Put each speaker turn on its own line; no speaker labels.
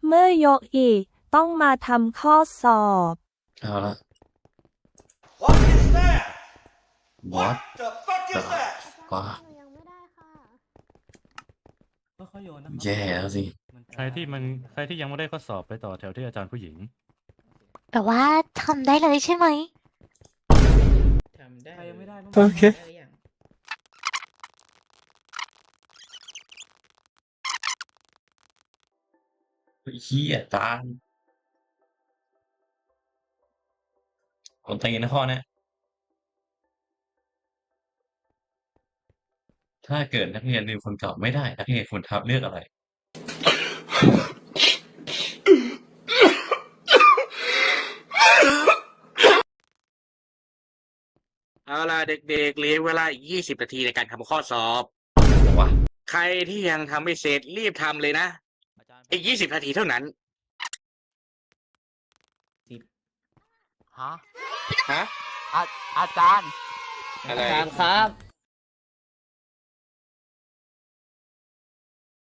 เมื่อยกอีกต้องมาทำข้อสอบ
เอาละ
What is that?
What
the fuck is that?
ว้า
หนูยังไม่ได้ค่ะ
ค่อยๆโยนนะครับ
แย่แล้วสิ
ใครที่ยังไม่ได้ข้อสอบไปต่อแถวที่อาจารย์ผู้หญิง
แต่ว่าทำได้เลยใช่ไหม
ทำได้
ใครยังไม่ได้บ้าง
โอเค
เฮียตามคนตีนะข้อเนี้ยถ้าเกิดนักเรียนลืมคนเก่าไม่ได้ นักเรียนควรทับเลือกอะไร
เอาล่ะเด็กๆเหลือเวลาอีก20 นาทีในการทำข้อสอบ
วะ
ใครที่ยังทำไม่เสร็จรีบทำเลยนะ อีก20 นาทีเท่านั้น
ฮะ
ฮะ
อาจารย์
อะไร
อาจารย์ครับ